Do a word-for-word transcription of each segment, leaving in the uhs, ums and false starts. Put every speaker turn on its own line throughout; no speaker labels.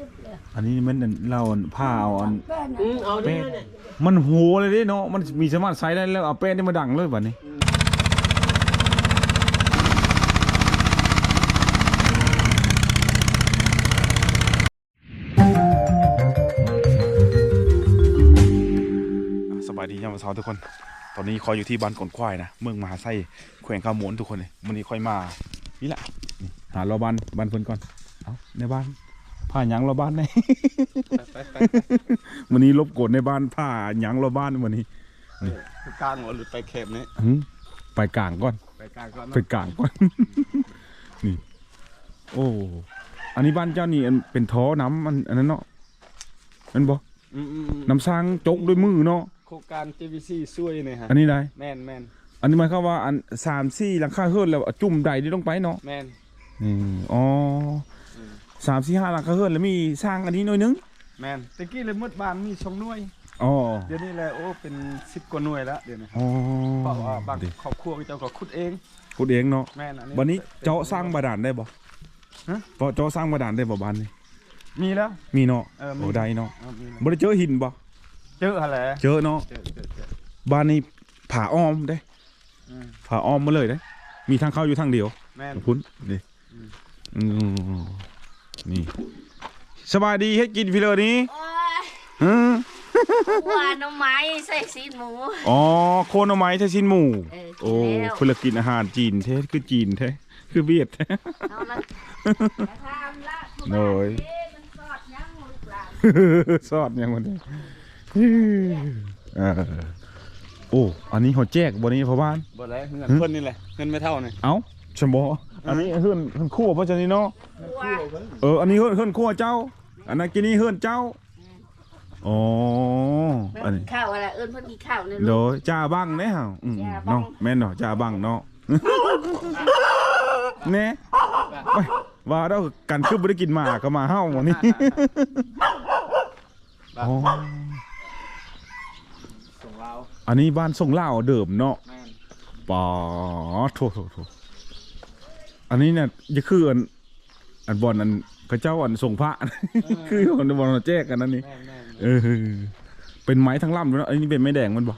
อันนี้มันเราผ้าเอาอัน
อืมเอาดิเนี่ย
มันโหเลยดิเนาะมันมีสามารถใช้ได้แล้วเอาแป้งนี่มาดังเลยแบบนี้สบายดียามวันเช้าทุกคนตอนนี้คอยอยู่ที่บ้านกอนควายนะเมืองมหาไซแขวงข้าวหมวนทุกคนเลยวันนี้คอยมานี่แหละหาเราบ้านบ้านเพิ่นก่อนเอาในบ้านผ้าหยังเราบ้านในวันนี้ลบกดในบ้านผ้าหยังเราบ้านวันนี้
กลางหรือไปเข็มนี้
ไปกลางก่อน
ไปกลางก่อน
ไปกลางก่อนนี่โอ้อันนี้บ้านเจ้านี่เป็นท้อน้ำมันอันนั้นเนาะมันบอกน้ำสร้างจกด้วยมือเนาะ
โครงการ จี วี ซี ช่วยเนี่ยฮะ
อันนี้ได้
แมนแมน
อันนี้หมายความว่าอันสามสี่หลังคาเฮือนแล้วจุ่มใดนี่ลงไปเนาะ
แมน
นี่อ๋อสามสี่ห้าหลังคาเฮือนแล้วมีสร้างอันนี้หน่อยนึง
แมนตะกี้เลยมืดบ้านมีสองหน่วย
อ๋อ
เดี๋ยวนี้แหละโอ้เป็นสิบกว่าหน่วยแล้วเดี๋ยวนี้
อ๋อ
เพราะว่าบางครอบครัวเจ้าก็ขุดเอง
ขุดเองเนาะ
แมนอันนี้
วันนี้เจาะสร้างบาดาลได้บ่ฮะเจาะสร้างบาดาลได้บ่บ้านนี่
มีแล้ว
มีเนาะโอ้ได้เนาะบ่ได้เจอหินบ่
เจออะไร
เจอเนาะบ้านนี้ผ่าอ้อมได้ผ่าอ้อมมาเลยได้มีทางเข้าอยู่ทางเดียวพุ่นนี่นี่สบายดีให้กินพี่เลยนี้
ว่าน้ำไม้ใส่ซีนหมู
อ๋อโคนเอาไม้ใส่ซีนหมูโอ้เพื่อกินอาหารจีนแท้คือจีนแท้คือเวียดแท้โน้ยซอดยังวันนี้โอ้อันนี้เขาแจกบนนี้พ่อบ้าน
บ่ได้เงินเพิ่นนี่แหละเงินไม่เท่านี่
เอ้าชมบออันนี้เฮือนเฮือนคู่เพราะฉะนั้นเนาะเอออันนี้เฮือนเฮือนคู่เจ้าอันนั้นกินนี่เฮือนเจ้าอ๋อ
อันนี้ข้าวอะไรเอิ้นเพิ่นกินข้าวเนี่ย
โดยจ่าบังเนี่ยฮะเนาะแม่นเนาะจ่าบังเนาะเนี่ยว่าเรากันคือบริกินมาก็มาเฮ้าวันนี้อันนี้บ้านส่งเล่าเดิมเนาะป๋อโถโถโถอันนี้เนี่ยจะคืออันอันบอลอันพระเจ้าอันทรงพระคืออันบอลแจกกันนั่นนี่เออเป็นไม้ทั้งลำด้วยนะอันนี้เป็นไม้แดงมันบอก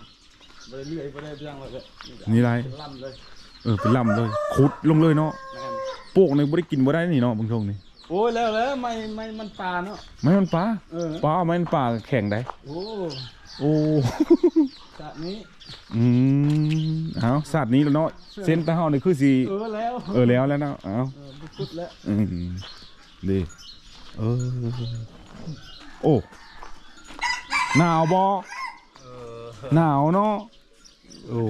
นี่ไรเออเป็นลำเลยขุดลงเลยเนาะพวกในบริกินบ่ได้นี่เนาะบางช่วงนี่
โอ้ยแล้วแล้วไม่ไม่มันปลาเนาะ
ไม่มันปลาปลาไม่มันปลาแข็งได้
โอ้
โอ้
สัตว์นี้
อืมเอาสัตว์นี้แล้วเนาะเส้นตาเฮานี่คือสี
เออแล้ว
เออแล้วแล้วเนาะเอา
พุดแล้ว
อืมดีเออโอ้หนาวบ่หนาวเนาะโอ้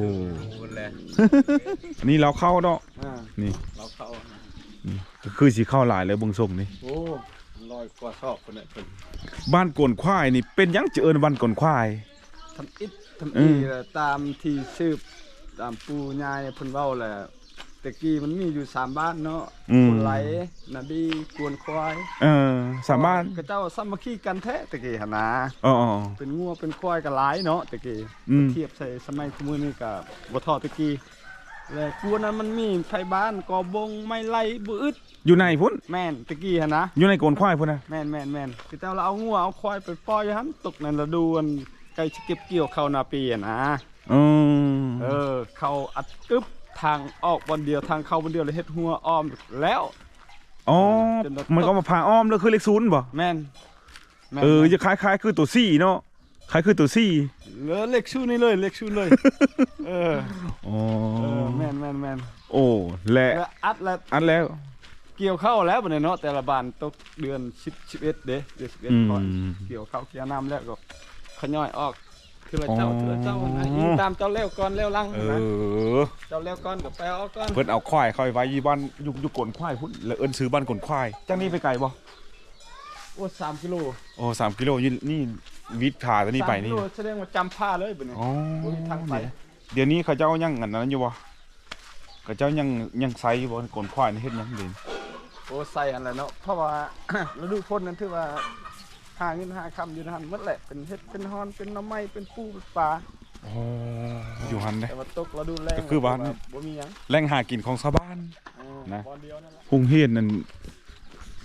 นี่เราเข้าเนาะนี่
เราเข้า
ก็คือสีเข้าหลายเลยบงส่งนี่
โอ้ลอยกว่าชอบคนเนี่ยเป็น
บ้านกวนควายนี่เป็นยังจะเอิญบ้านกวนควาย
ทำอิฐทำอีตามที่ชื่อตามปูยายเพิ่นเว้าแหละตะกี้มันมีอยู่สามบ้านเนาะคนไหลนาบีกวนควาย
เออสามบ้าน
ก็เจ้าสามัคคีกันแท้ตะกี้หั่นนะ
อ๋อ
เป็นงัวเป็นควายก็หลายเนาะตะกี้เทียบใส่สมัยคุมื้อนี้ก็บ่ทอตะกี้แล้วกวนนั้นมันมีไผบ้านกอบงไม่ไล่บ่อึด
อยู่ในพุ่น
แม่นตะกี้หั่นนะ
อยู่ในกวนควายพุ่นนะ
แม่นแม่นแม่นคือเจ้าเราเอางัวเอาควายไปปล่อยหั่นตกในฤดูมันใกล้จะเก็บเกี่ยวเข้านาปีอ่ะนะเออเขาอัดกึบทางออกวันเดียวทางเข้าวันเดียวเลยเฮ็ดหัวอ้อมแล้ว
อ๋อมันก็มาพาอ้อมแล้วคือเลขศูนย์บ่
แม่น
เออจะคล้ายๆคือตัวซี่เนาะคล้ายคือตัวซี่
เหลือเลขศูนย์นี่เลยเลขศูนย์เลยเออ
อ๋อ
แม่นแม่นแม่น
โอ้และ
อัดแล้ว
อัดแล้ว
เกี่ยวเข้าแล้วบัดนี้เนาะแต่ละบ้านตกเดือนสิบ สิบเอ็ดเด้เดือนสิบเอ็ดก่อนเกี่ยวเข้าเกี่ยวน้ำแล้วก็ขย่อยออกคือเจ้าคือเจ้ายิงตามเจ้าเลี้ยวก่อนเลี้ยวลังนะเจ้าเลี้ยวก่อนกับแปลเอาก่อน
เพิ่นเอาควายคอยไว้ยี่บ้านยุกยุกกลนควายพุ่นแล้วเอิ้นซื้อบ้านกลนควายจังนี้ไปไกลบ่
โอ้สามกิโล
โอ้สามกิโลนี่นี่วิทย์ขาตัวนี้ไปนี่
แสดงว่าจำผ้าเลยเป็นไง
อ๋อเดี๋ยวนี้เขาเจ้ายังอันนั้นอยู่บ่เขาเจ้ายังยังไซอยู่บ่กลนควายนี่เฮ็ดยังเด่น
โอ้ใส่อะไรเนาะเพราะว่าฤดูฝนนั้นถือว่าหาเงินหาคำอยู่หันหมดแหละเป็นเห็ดเป็นฮอนเป็นน้ำไม้เป็นปูเป็นปลา
อยู่หันเลย
แต่ว่าตกเราดูแรง
ก็คือบ้านแรงหากินของชาวบ้านนะหุงเฮียนนั่น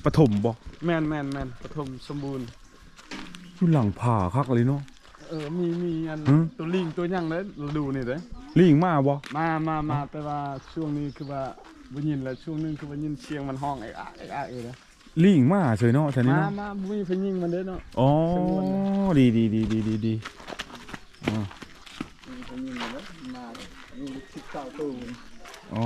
ปฐมบ่
แม่นแม่นแม่นปฐมสมบูรณ์
อยู่หลังผาคักเลยเนาะ
เออมีมีอัน
หือ
ตัวลิงตัวหยังเด้อดูนี่เด้อ
ลิงมาบ่
มามามาแต่ว่าช่วงนี้คือว่าบ่ยินแล้วช่วงนึงคือว่ายินเสียงมันห้องไอ้อะไอ้อะเอ้เด้อ
ลิงมาเฉยเนาะแถวนี้
มา
เนาะ
มาบ่มีเพิ่นยิงมันเด้อเนาะ
อ๋อดีดีดีดีดีดีอ๋อ
มีเพิ่นยิงมันเด้อมามีสิบเก้าตัว
อ๋อ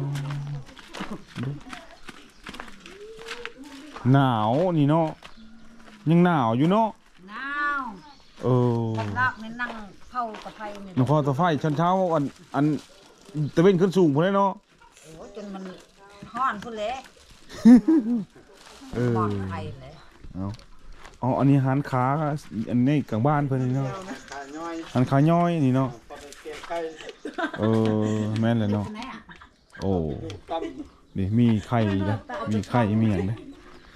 หนาวนี่เนาะยังหนาวอยู่เนาะ
น้าว
เออ
ลากในนั่งเผากับไฟนี่
นครตะไฟชั้นเช้าอันอันตะเวนขึ้นสูงพุ่นเลยเนาะ
โอ้จนมันฮ้อนพุ่นเลย
เออ
ปลอดภัยเลย
เอาอ๋ออันนี้หันขาอันนี้กลางบ้านเพิ่นนี่เนาะ
ขาย่อย
หันขาย่อยนี่เนาะ
พอได้เก็บไข่
เออแม่นเลยเนาะ
ไหนอ่ะ
โอ้
ตำ
นี่มีไข่นะมีไข่มีอย่างนะ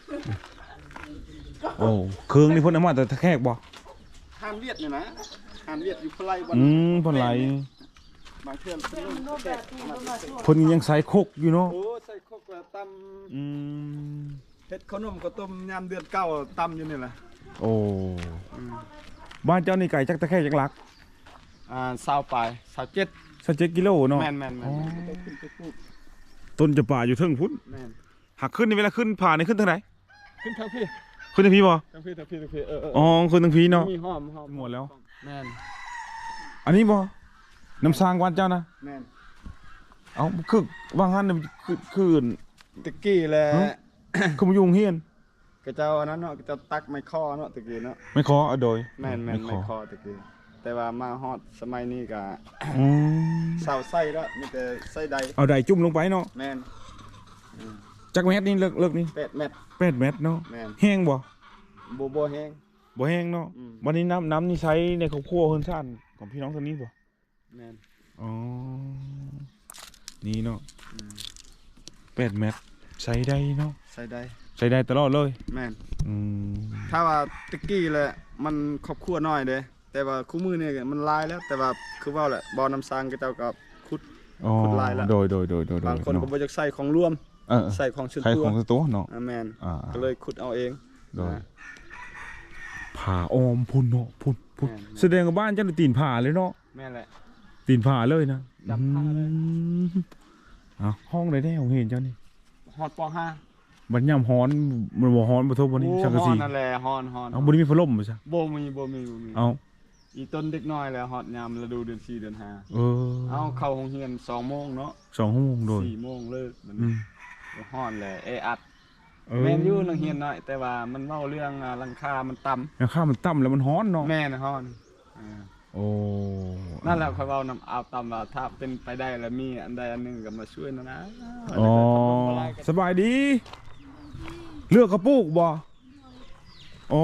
โอ้เครื่องนี่เพิ่นเอามาแต่ตะแคกบ่
ห้ามเลียดนี่นะห้ามเลียดอยู่พลายวัน
อืมเพิ่นไหล
บางเทื่อเพิ่นลงแขกมา
เพิ่นยังใส่คกอยู่เนาะ
โอ้ใส่ครกแล้วต
อืม
ำเฮ็ดขนมข้าวต้มยามเดือนเก้าตำอยู่นี่แหละ
โอ้บ้านเจ้านี่ไก่จักตะแคกจักหลัก
อ่าสาวปลายสาวเจ็ด
สักเจ็ดกิโลเนาะ
แม่นแม่นแม่
อ๋
น
อ
ต้องขึ้นไปปลูก
ต้นจะป่าอยู่เทิงพุ่น
แม่น
หักขึ้นนี่เวลาขึ้นผ่านี่ขึ้นทางไหน
ขึ้นทางพี่
ขึ้นทางพี่บ่
ทางพี่ทางพี่ทางพี่เออเออ
อ๋อขึ้นทางพี่เนาะ
มีหอมหอม
หมดแล้ว
แม่น
อันนี้บ่น้ำสร้างบ้านเจ้านะ
แม่น
เอ้าคือว่างหันน่ะคือคือ
ตะกี้แหละ
ฮะ คือมายุงเฮียน
กระเจ้าอันนั้นเนาะกระเจ้าตักไม้ข้อเนาะตะกี้เนาะ
ไม่ขอเอาโดย
แม่นแม่น
ข
ไม้
อ
ข้อตะกี้แต่ว่ามาฮอดสมัยนี้ก็
อืม
เสาไส้แล้วมีแต่ไส้ใด
เอาได้จุ่มลงไปเนาะ
แม่น
จักเม็ดนี่เลิกเลิกนี่
แปดเม็ด
แปดเม็ดเนาะ
แม่น
แห้งบ่
บ่บ่แห้ง
บ่แห้งเนาะ
อืม
วันนี้น้ำน้ำนี่ใช้ในครอบครัวเฮือนซ่านของพี่น้องทางนี้บ่
แม่น
อ๋อนี่เนาะแปดเม็ดใช้ได้เนาะ
ใส่ใด
ใช้ได้ตลอดเลย
แม่น
อืม
ถ้าว่าตะกี้แหละมันครอบครัวน้อยเด้แต่ว่าคู่มือเนี่ยมันหลายแล้ว แต่ว่าคือว่าแหละบ่อน้ำสร้างกระเจ้าก็ขุด
อ๋อ
ขุดลายละ
โดยโดยโดยโดยโดย
บางคนก็
เนาะ
บ่อยากใส่ของร่วม
เออ
ใส่ของส่วน
ใคร
ตัว
ของสตัวเนาะ
อ่าแม่น
อ่า
ก็เลยขุดเอาเอง
โดย
นะ
ผ่าออมพุ่นเนาะพุ่นพุ่น
แม่น
แสดงว่าบ้านเจ้าน่ะตีนผ่าเลยเนาะ
แม่นแหละ
ตีนผ่าเลยนะ
จับผ่าเลย
อืมเอ้าห้องไหนได้ของเห็นเจ้านี่
ฮอดป .ห้า
บัดยามฮ้อนมันบ่ฮ้อนบ่ทบวันนี้
โอ้
ชักกะ
ฮอ
สี
ดนั่นแหละฮอนฮอน
เอาบ่ได้มีพัดลมบ่ซะ
บ่มีบ่มีบ่มี
เอา
อีต้นเด็กน้อยแล้วฮอดยามฤดูเดือนสี่เดือนห้า
เออ
เอาเข้าโรงเรียนสองโมงเนาะ
สองชั่วโมงโดย
สี่โมงเลิกมัน
อืม
ฮอนแหละเออัด
เออ
แม่นอยู่โรงเรียนน้อยแต่ว่ามันเว้าเรื่องอ่าหลังคามันต่ำ
แล้วข้าวมันต่ำแล้วมันฮ้อนเนาะ
แม่นฮอนอ่า
โอ้
นั่นแหละค่อยเว้านำเอาตามว่าถ้าเป็นไปได้แล้วมีอันใดอันหนึงก็มาช่วยนะนะ
อ๋อสบายดี เลือกกระปุกบ่อ๋อ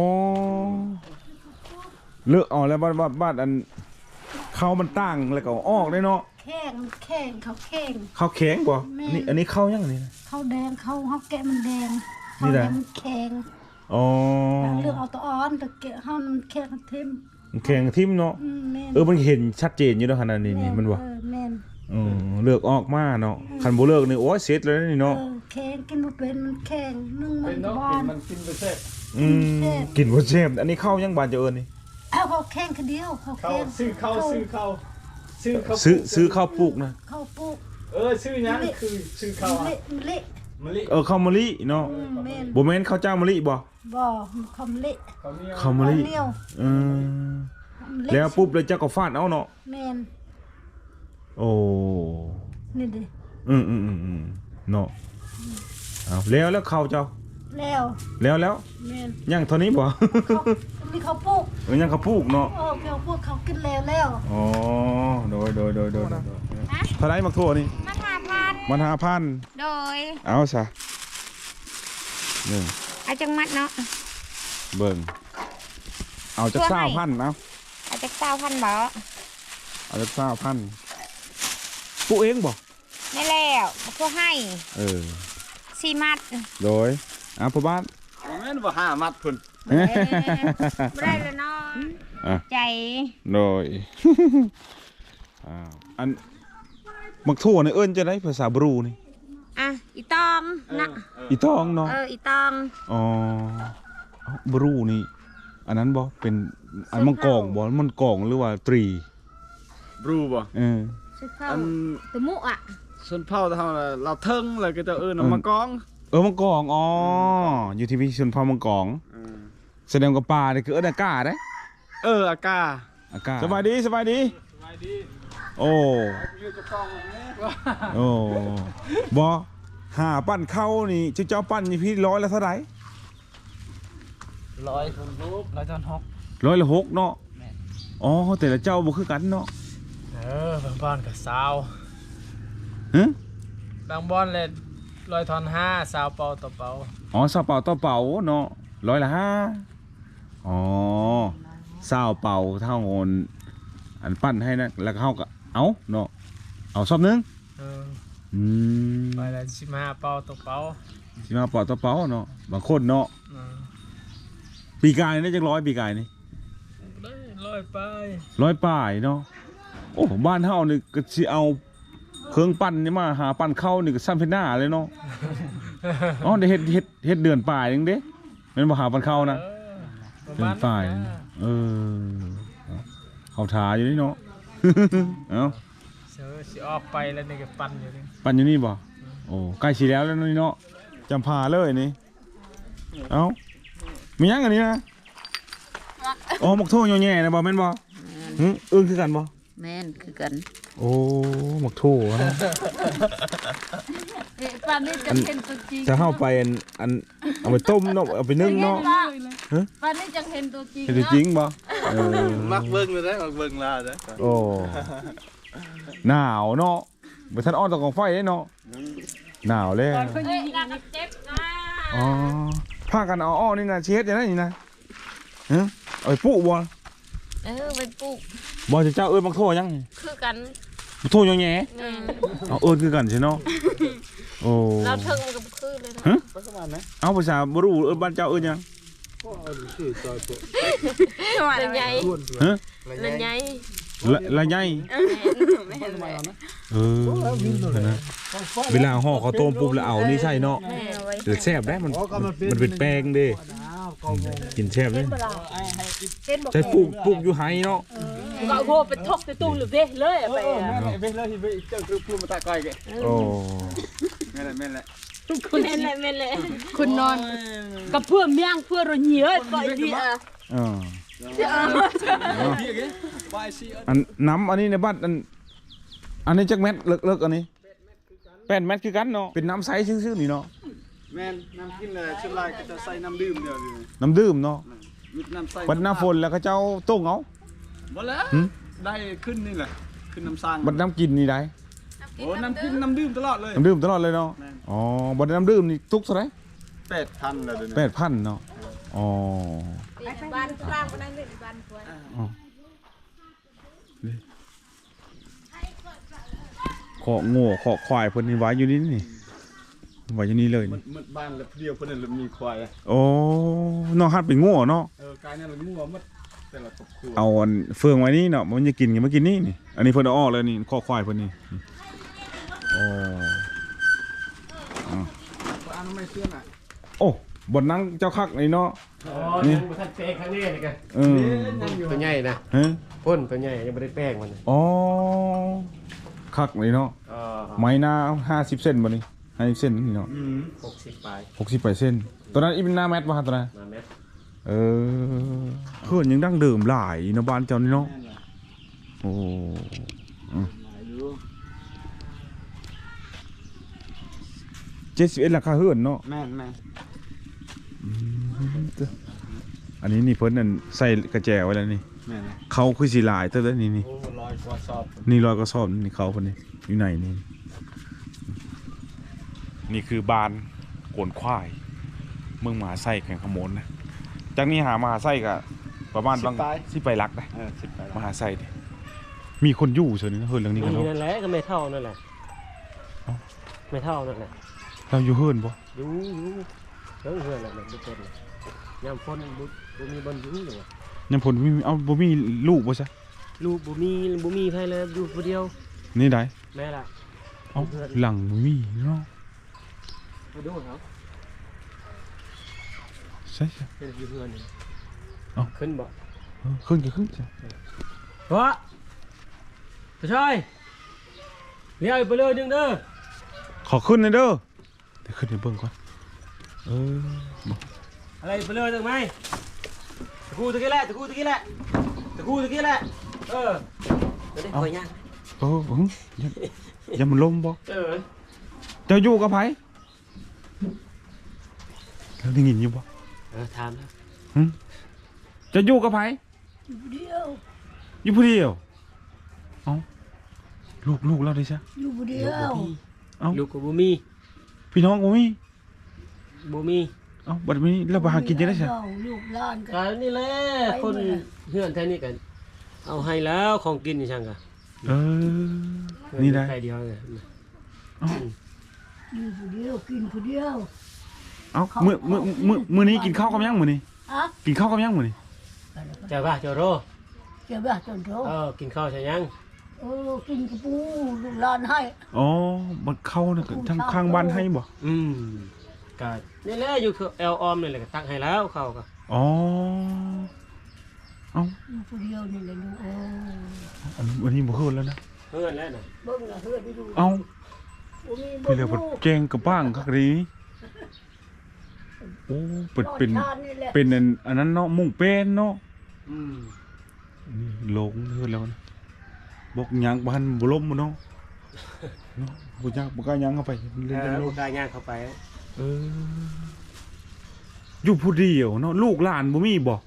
เลือกเอาแล้วบ้านบ้านบ้านอันข้าวมันตั้งแล้วก็เอาออกได้เนาะ
แข้งแข้งเขาแข้ง
ข้าวแข็งบ่
แม่
อันนี้อันนี้ข้าวยังอันนี้นะ
เขาแดงเขาเขาแกะมันแดง
นี่
เขา
แห
แด
ละ
งมันแข็ง
อ๋อ
เลือกเอาตัวอ่อนแต่แกะเขามันแข็งทิ่ม
มันแข็งทิ่มเนาะ
อืมแม่น
เออมันเห็นชัดเจนอยู่แล้วขนาดนี้นี่มันบ่
เออแม่น
อืมเลือกออกมาเนาะคันบ่เลือกนี่โอ้ยเสร็จแล้วนี่
เอ
เนาะ
อแข็งกินบ่เป็นมันแข็งนึ่งมั
เป็น นเนาะ
บอ
กิน
น
มันกินไปเสร็จ
อืมกินบ่เจ็บอันนี้ข้าวยังบานจะเอิ้นนี่
เอาเขาแข็งคนเดียวเขา
เข้า
แข็ง
ซื้อเข้าซื้อเข้าซื้อเข้า
ซื้อซื้อข้าวปลูกนะ
เขาปลูก
เออซื้อหยังคือซื้อเข้า
เละ
อ่ะ
เละ
มะลิ
เออข้าวมะลิเนาะ
อืมแม่น
บ่แม่นข้าวเจ้ามะลิบ่
บ่เขาเละ
เขามี
ข้าวมะลิ
เหนียว
เออ
เะ
แล้วปุ๊บแล้วเจ้าก็ฟาดเอาเนาะ
แม่น
โอ้
นี่ดิ
อืมอืมอืมอืมเนาะเอาแล้วแล้วข้าวเจ้า
แล้ว
แล้วแล้ว
แม่น
ยังเท่านี้บ่
เขามีเขาปลูก
เออยังข้าวปลูกเนาะ
โอ้เขาปลูกเขากินแล้วแล้ว
อ๋อโดยโดยโดยโดยโดยเท่าไหร่มักทั่วนี่
มาหาพัน
มันห้าพัน
โดย
เอาซะหนึ่ง
อาจังมัดเนาะ
เบิ่งเอาจาก
เพื่อ
เศร้า
ให้
พันเอา
อาจักเก้าพันบ่
เอาจากเศร้าพันปลูกเองบ่
นี่แล้วพวกให้
เออ
สี่มัด
โดยเอาพ่อบ้าน
แม่นบ่ห้ามัดพุ่น
เอ้ยบ่ได้เลยเนาะ
อ่ะ
ใจ
โดย อ้าวอันมักทั่วนี่เอิ้นจะได้ภาษาบรูนี่
อ่ะอีตองนะ
อีตองเนาะ
เอออีตอง
อ๋อเอ้าบรูนี่อันนั้นบ่เป็นอันมังกรบ่มันกองหรือว่าตรี
บรูบ่
เออ
สุดเข้า
อัน
ตัวมุอ่ะ
ส่วนเผาเท่าน่ะเราเทิงเลยก็จะเอิ้นเอามากอง
เออมังกรอ๋ออยู่ที่พิชนพามังกรแสดงกับป่านี่คือเอิ้นอากาศเด้
เอออากา
อากาศสบายดีสบายดี
สบายดี
โอ้
อยู่จะกองนี้
โอ้บอหาปั้นเข้านี่เจ้าเจ้าปั้นนี่พี่ร้อยละเท่าไหร่
ร้อยทนรูปร้อยทนหก
ร้อยละหกเนาะอ๋อแต่ละเจ้าบ่คือกันเนาะ
เออบางบอลกับสาว
ฮะ
บางบอลเลยลอยทอนห้าสาวเป่าต่อเป่า
อ๋อซาเป่าต่อเป่าเนาะร้อยละห้าอ๋อซาวเป่าเท่าโอนอันปั้นให้นะแล้วก็เฮาก็เอาเนาะเอาซอบนึง
เออ
อืม
ไปละสิบห้าเป่าต่อเป่า
สิมาเป่าต่อเป่าเนาะบางคนเนาะ
เออ
ปีกายนี่จักร้อยปีกายนี่
ได้ลอยไป
ร้อยป่ายเนาะโอ้บ้านเฮานี่ก็สิเอาเครื่องปั้นนี่มาหาปั้นเข้านี่ก็ซ้ำเพชรหน้าเลยเนาะ อ๋อได้เฮ็ดเฮ็ดเฮ็ดเดือนป่ายนึงเด้แม่นบ่หาปั้นเข้านะ
เออประ
เดือ
มาน ณ
ป่าย
นั้น
นะ
นะ
เออเอาทาอยู่นี่เนาะ เอ้า
เสือสิออกไปแล้วนี่ก็ปั่นอยู่นี่
ปั้นอยู่นี่บ่โอ้ใกล้สิแล้วแล้วนี่เนาะจำพาเลยนี่เอ้ามีหยังอันนี้นะอ๋อหมกโทแย่ๆนะบ่แม่นบ่หึเอิ้นคือกันบ่
แม่นคือกัน
โอ้หมกโทนะ
เอ๊ะปานนี้จะเห็นตัวจริง
จะเข้าไปอันอันเอาไปต้มเนาะเอาไปนึ่งเนาะ
ปานนี้จะเห็นตัวจริง
เห็นจริงบ่เออ
มักเบิ่งเลยได้มักเบิ่งลาได้
โอ้หนาวเนาะไปทันอ้อนตะกองไฟได้เนาะหนาวเลย
เอ้ยน่าจะเจ็บนะ
อ๋อพากันเอาอ้อนี่นะเช็ดอย่างนั้นนี่นะฮะเอาไปปุ๊บ่
เออไปปลูก
บ่จะเจ้าเอิ้นบักโทยัง
คือกัน
บักโทยังแหน่
แม่น
เอาเอิ้นคือกันใช่เนาะโอ้
เราเทิงกับคือเลยนะ
ฮะ
ประมาณนั้น
เอาภาษาบ่รู้เอิ้นบ้านเจ้าเอิ้นยัง
ละใหญ่
ฮะ
ละใหญ่
ละละใหญ่เออนะเวลาห่อข้าวต้มปุ๊บแล้วเอานี่ใช่เนาะ
แม่เอาไว้
เดี๋ยวแซ่บได้มันมันเป็นแป้งเด้กินแซ่บเลยใช้ปลูกปลูกอยู่ไฮเนาะ
gọi vô phải thóc cái tu lửa về lưới à
เอ
vậy
อ
à
แม่นเบิ่งเลยที่เจ้าคือพูดมาตะก้อยแก
โอ้
แม่นแหละแม่นแหละ
แม่นเลยแม่นเลย
คุณนอนกับเพื่อเมียงเพื่อเราเหนียวก่อยดีอ่ะ
อ่า
พี่แกไปสิ
อันน้ำอันนี้ในบ้านอันอันนี้จักเม็ดเลิกเลิกอันนี้แปดเม็ดคือกันเนาะเป็นน้ำใสซื่อๆนี่เนาะ
แม่นน้ำกินเลยชุดลายก็จะใส่น้ำดื่มเดียวนี่
น้ำดื่มเนาะ
มิดน้ำใส่
บัดหน้าฝนแล้วก็เจ้าต้งเอา
บ่แล้ว
หึ
ได้ขึ้นนี่แหละขึ้นน้ำสร้าง
บัดน้ำกินนี่ได้
โอ้น้ำกินน้ำดื่มตลอดเลย
น้ำดื่มตลอดเลยเนาะ
แม่น
อ๋อบัดน้ำดื่มนี่ตุกเท่าไหร่
แปดพันเลยเดี๋ยว
แป
นี้
ดพันเนาะอ๋อ
บ้านกลางก็ได้เลยบ้านควร
อ๋อนี่ขอโง่ขอควายเพิ่นนี่ไว้อยู่นี่นี่ไว้อยู่นี่เลย
มั
นี่
นมันบ้านแล้วเดียวเพิ่นน่ะมีควายอะ
โอ้น้องฮัดเป็นโง่เนาะ
เออกายนั่นละงัวหมดแต่ละครอบครัว
เอาอันเฟืองไว้นี่เนาะมันจะกินกันมากินนี่นี่อันนี้เพิ่นเอาออกเลยนี่ข้อควายเพิ่นนี่โอ้
อันนั้นไม่เชื่อน่ะ
โอ้บนนั่งเจ้าคักนี่เนาะ
อ๋อยังบ่ทันแป้งครั้งนี้นี่กัน
เออ
ตัวใหญ่นะ
ฮะ
พ่นตัวใหญ่ยังไม่ได้แป้งมัน
อ๋อคักนี่เนาะ
อ๋อ
ไม้หน้าห้าสิบเซนบ่นี่ห้าสิบเซนนี่เนาะ
อืม
หกสิบปลาย
หกสิบแปดเซนตัวนั้นอีเป็นหน้าแมทป่ะตัวนั้น
มาเม็ด
เออเพื่อนยังดั้งเดิมหลายเนาะบ้านเจ้านี่เนาะ
แม่นล่ะ
โอ้
หลายอยู่
เจ็ดสิบเอ็ดราคาเฮือนเนาะ
แม่นแม่น
อันนี้นี่เพิ่นนั่นใส่กระแจไว้แล้วนี่
แม่นล่ะ
เขาคือสีลายเท่านั้นนี่นี่
โอ้ลอยกว่าสอบ
นี่รอยกระสอบนี่เขาคนนี้อยู่ไหนนี่นี่คือบานโกนควายเมืองมหาไส้แข่งขโมนนะจากนี้หามหาไส้ก็ประมาณบางสิไปรักนะ
เออสิบไป
มหาไส้ดิมีคนอยู่เฉยนี่นะเฮิร์นเรื่องนี้กัน
มี
เนาะ
นั่นแหละก็ไม่เท่านั่นแหละ
เอ้า
ไม่เท่านั่นแหละ
เราอยู่เฮิร์นปะ
อยู่อยู่เฮิงเฮือนน่ะทุกคนน่ะยามฝนบ่บ่มีบอลอยู่หรอ
ยังผลมีเอาบ่มีลูกบ่ใช่
ลูกบ่มีบ่มีใครเลยอยู่ผู้เดียว
นี่ได้
แม่ล่ะ
เอาหลังบ่มีเนาะ
มาดูเขา
ใช่ใช่
เป็นอยู่เพื่อนนี่
เอ้า
ขึ้นบ่
เออขึ้นจะขึ้นจ้ะ
เพราะผู้ชายเลี้ยวไปเลยนึงเด้อ
ขอขึ้นหน่อยเด้อเดี๋ยวขึ้นไปเบิ่งก่อนเออบ่
อะไรไปเลยนึงไหมตะกูตะกี้แหละตะกูตะกี้แหละตะกูตะกี้แหละเออเดี๋ยวได้คอยย่าง
เออเอออย่าอย่ามันลมบ่
เออ
เจ้าอยู่กับไผแล้วได้ยินอยู่บ่
เออถามแล้ว
หึเจะอยู่กับไผ
อยู่เดียว
อยู่ผู้เดียวเอ้าลูกลูกเราได้ซะ
อยู่เดียว
เอ้า
ลูกกับบุมี
พี่น้องบ่มี
บุมี
เอ้าบัดนี้เราไปหากินจะได้ซะ
ลูกหลานกั
กันนี่แหละคนเพื่อนแท้นี่กันเอาให้แล้วของกินนี่ช่างกัน
เออนี่ได้
ใครเดียวเนี่ย
เอ้า
อยู่ผู้เดียวกินผู้เดียว
เอ้ามื้อมื้อมื้อมื้อนี้กินข้าวกับหยังมื้อนี้
อ่ะ
กินข้าวกับหยังมื้อนี้
เจ้าบ้าเจ้าโร
เจ้าบ้าจนโต
เออกินข้าวใช่ยัง
เออกินกระปูลูกหลานให้
อ๋อบัดเข้าน่ะก็ทางข้างบ้านให้บ่
อืมก็นี่แหละอยู่คือแอลออมนี่แหละก็ตักให้แล้วเขาก็
อ๋อเอ้า
อยู่ผู้เดียวนี่แหละลูกเออ
อันนี้วันนี้บ่เฮิดแล้วนะ
เพื่อนแล้วน่ะ
เบิ่งละเฮือนดู
เอ้า
บ่มี
พี่เรียกว่าแกงกับบ้างคักดีโอ้เป็นเป็น
ทานนี่แหละ
เป็นอันอันนั้นเนาะมุ่งเป็นเนาะ
อืม
นี่หลงเฮือแล้วนะบอกหยังบ่ทันบ่ล้มบ่เนาะเนาะบ่ยากบ่กล้าหยังเข้าไป
เอ
เล่น
อ
ๆ
ลู
ลู
ก
ก
กายย่างเข้าไป
เอออยู่ผู้เดียวเนาะลูกหลานบ่มีบ่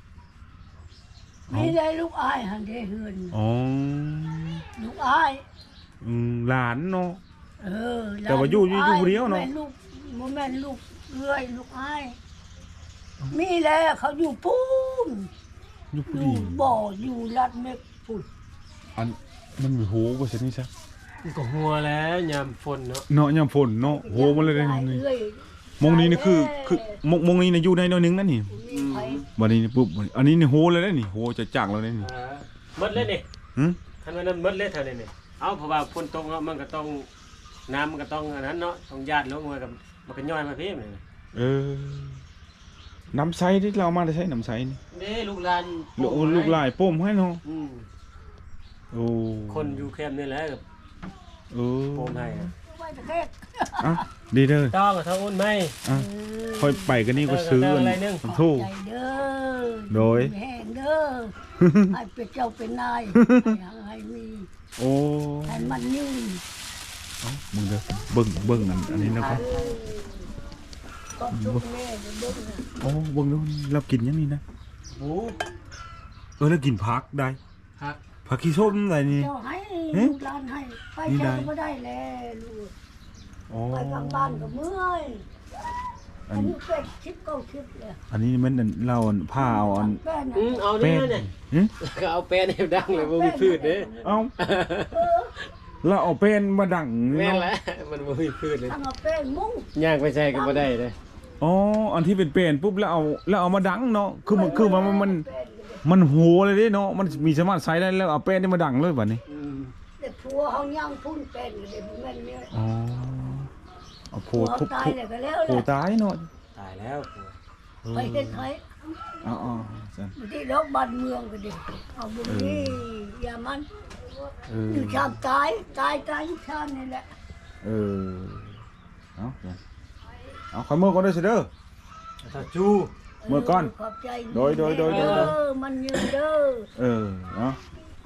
มีได้ลูกอ้ายหันได้เฮือน
อ๋อ
ลูกอ้าย
อืมหลานเนาะ
เออ
แต่ว่าอยู่อยู่อยู่ผู้เดียวเนาะ
แม่ลูกบ่แม่นลูกเอื้อยลูกอ้ายมีแล้วเขาอยู่ปูน
อยู่ผู้
อ
เดี
ยู่
ยว
บ่ออยู่ลัดเม็กปุ่น
อันมันมีโหบ่ซั่นนี่ซะ
มันก็หัวแล้วยามฝนเนาะ
เนาะยามฝนเนาะโหมันเลยได้นี่
เอื้อย
มงนี้นี่คือคือมงมงนี้นะอยู่ในหน้อยหนึงนั่นนี่
มีไผ
วันนี้นี่ปุ๊บอันนี้นี่โหเลยนะนี่โหจะจักแล้วนี่
เออหมดเลยนี่
หึ
คันว่านั้นหมดเลยเท่านี้นี่เอาเพราะว่าฝนตกเนาะมันก็ต้องน้ำมันก็ต้องอันนั้นเนาะต้องญาติลงมากับมันก็ย่อยมาพี่มัน
เออน้ำใสที่เราเอามาได้ใช้น้ำใสนี่
เด้ลูกหลาน
ลูกลูกหลายป้มให้เนาะ
อืม
โอ้
คนอยู่แคมป์นี่แหละกับ
เออ
โปมให้อะ
ไว้ตะแคก
อ่ะดีเด้อ
ต้องกับเท่าอุ่นไหม
อ่ะค่อยไปกันนี่ก็ซื้อ
เออ
อัน
อะไรนึง
สำทู่
ใจเด้อ
โดย
แห้งเด้อให้เป็นเจ้าเป็นนายให้มี
โอ้
ให้มันนิ่ง
เอ้ามึงเด้อเบิ่งเบิ่งอันอันนี้นะครับ
ก็ทุกแม่เด้อนะ
โอ้เบิ่งดูเรากินยังนี่นะ
โอ้
เออแล้วกินผักได้
ฮัก
ผักขี้ส้มอะไรนี่
เจ้าให้
เอ๊ะ
ลูกหลานให้ไป
นี่ได้
เจ้าก็ได้แล้วลูก
อ๋อ
ไปกลางบ้านก็เมื่อย
อั
อั
น
นนี้เป็ดชิปเก้าชิปเลย
อันนี้มันอันเราอันผ้าเอาอัน
แป้น
อืม
น่ะ
เอา
เป็
เนี่ย
ด
เนี่ย
หึ
ก็เอาแป้นให้ดังเลยบ่มีพืชเด้
เอาเราเอาเป็นมาดัง
แม่น
เนาะ
แหละมันบ่มีพืชเลย
ทั้งเอาแป้งมุ้ง
ย่างไปใส่ก็บ่ได้เด้
อ๋ออันที่เป็นเป็นปุ๊บแล้วเอาแล้วเอามาดังเนาะคือมันคือมันมันมัน
แป้งเลย
มันโหเลยเด้เนาะมันมีสามารถใช้ได้แล้วเอาเป็นนี่มาดังเลยบัดนี้
อืม
เด็กผัวเขาย่างพุ่นแป้งเลยเด็กแม่นเนี่ย
อ๋อเอาโพ
ผัว
ทุบ
ตาย
ทุบ
เลยก็แล้ว
โพ
แหละ
ตายเนาะ
ตายแล้ว
ไปเฮ็ดไผ
อ๋ออ๋อซั่น
อยู่ที่รอบบ้านเมืองก็ดิเอาบุรีอย่ามัน
เออ
อยู่ชามตายตายตายอยู่ชามนี่แหละ
เออเอาเอาขอมือก่อนเด้อสิเด้อ
ถ้าจู
เมื่อก่อน
ขอบใจ
โดยโดยโดยโดย
เด้อมันยืนเด้อ
เออเนาะ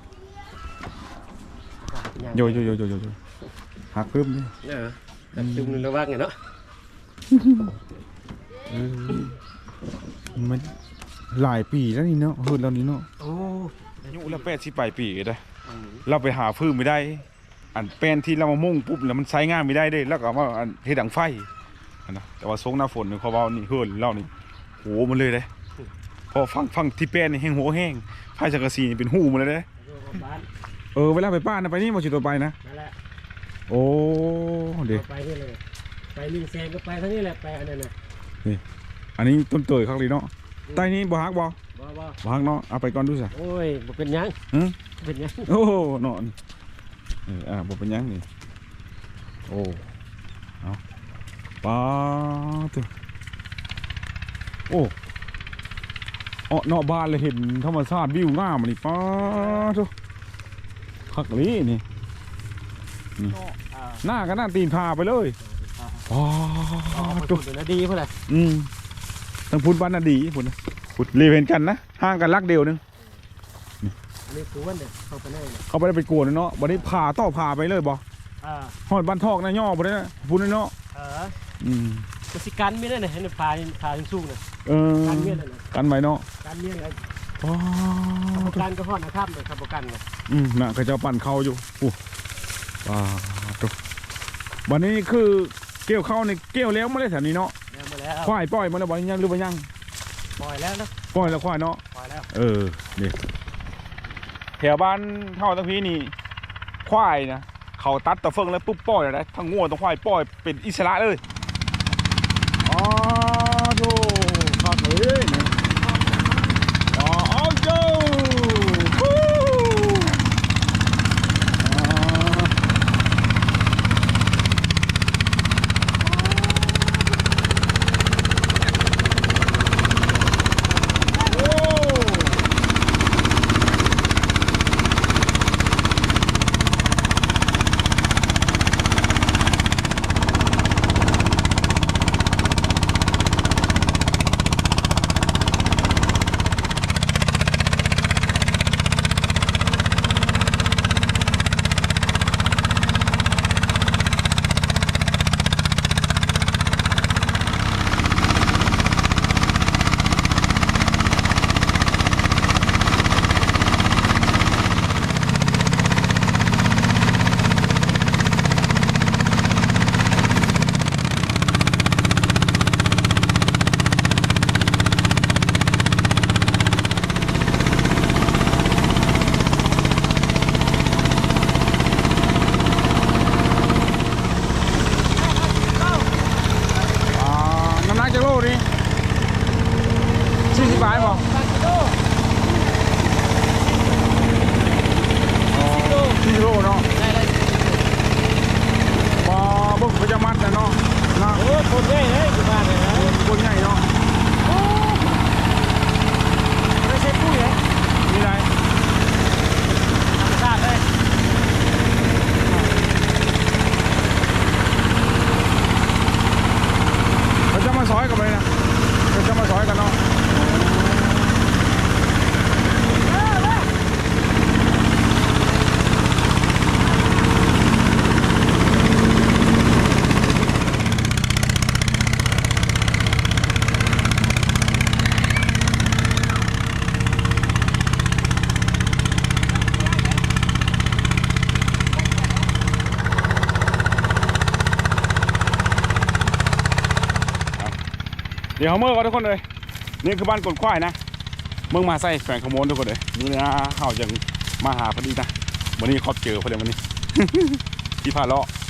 ย่าง
โยโยโยโยโยโยหักปึ๊บนี่
เออแต่จุ่มในระวังไงเนาะ
เออมันหลายปีแล้วนี่เนาะเฮิดแล้วนี่เนาะ
โอ้
อายุละแปดสิบปลายปีก็ได้ เราไปหาพื้นไม่ได้ อันแป้นที่เรามามุ่งปุ๊บแล้วมันใช้งานไม่ได้เด้แล้วก็เอามาอันเฮ็ดดังไฟอันนะแต่ว่าทรงหน้าฝนนี่เขาเว้านี่เฮิดเล่านี่โหมันเลยเด้พอฟังฟังที่แป้นนี่แห้งโหแห้งไฟสังกะสีนี่เป็นหูมันเลยเด้
บ้าน
เออเวลาไปป้านนะไปนี่มาสิตัวไปนะ
นั่นแหละ
โอ้เด้
ไปนี่เลยไปลิงแซงก็ไปทางนี้แหละไปอันนั้นน่ะ
อันนี้ต้นเตยครับเลยเนาะใต้นี้บ่ฮักบ่
บ่บ่
บ่ฮักเนาะเอาไปก่อนดูซะ
โอ้ยบ่เป็นหยัง
หึ
เป็นหยัง
โอ้เนาะเอออ่าบ่เป็นหยังนี่โอ้เอาป้าตัวโอ้เนาะเนาะบ้านเลยเห็นธรรมชาติวิวงามนี่ป้าตัวคักลีนี่นี่หน้าก็หน้าตีนพาไปเลยป้า
ตั
ตัว
วดีเพื่อน
อืมทั้งพุทธบ้านนาดีพุทธนะพุทธรีเวนกันนะห่างกันลักเดียวนึง
อันนี้คือวันเนี่ยเข้าไปได้เลย
เขาไม่ได้ไปกวนเนาะวันนี้พาต่อพาไปเลยบ่
อ่า
หอดบ้านทอกนะย่อบ่ได้นะพุทธเนาะ
เออ
อืม
กสิการไม่ได้เนี่ยให้พาพาสู้เนี่ย
เออ
การเมียนเลย
กันไว้เนาะ
การเมียนอะไร
ป้า
การก็พอดนะครับเลยครับกันเนี่ย
อืมน่ะเขาจะปั่นเขาอยู่อู้ป้าตัววันนี้คือเกี่ยวเข้าในเกี่ยวแล้วไม่ได้แถวนี้เนาะ
เดินมาแล้ว
ควายปล่อยมันแล้วบ่ยังหรือบ่ยัง
ปล่อยแล้วนะ
ปล่อยแล้วควายเนาะ
ปล่อยแล้ว
เออนี่แถวบ้านเท่าทั้งพี่นี่ควายนะเขาตัดตะเฟิงแล้วปุ๊บปล่อยอะไรทั้งงัวทั้งควายปล่อยเป็นอิสระเลยอ๋อโธ่ขาดเลยเนี่ยอ๋อเอาโย่ฮู้อ่าโอ้ อ่าน้ำหนักจะโลนี่สี่สิบบาทบ่อ๋อสี่โลเนาะบ่บึกประจำมัดนะเนาะนะ
โอ้คนใหญ่เลยอยู่บ้านเลยนะ
คนใหญ่เนาะ
ไม่ใช่ปุ้ยเหรอ
มีไร
ธรรมชาติเลย
เขาจะมาซอยกันเลยนะเขาจะมาซอยกันเนาะเดี๋ยวเขาเมื่อก่อนทุกคนเลยนี่คือบ้านกดควายนะเมืองมาใส่แฝงขโมยทุกคนเลยนี่นะเขายังมาหาพอดีนะวันนี้เขาเจอพอดีวันนี้ ที่พาเลาะ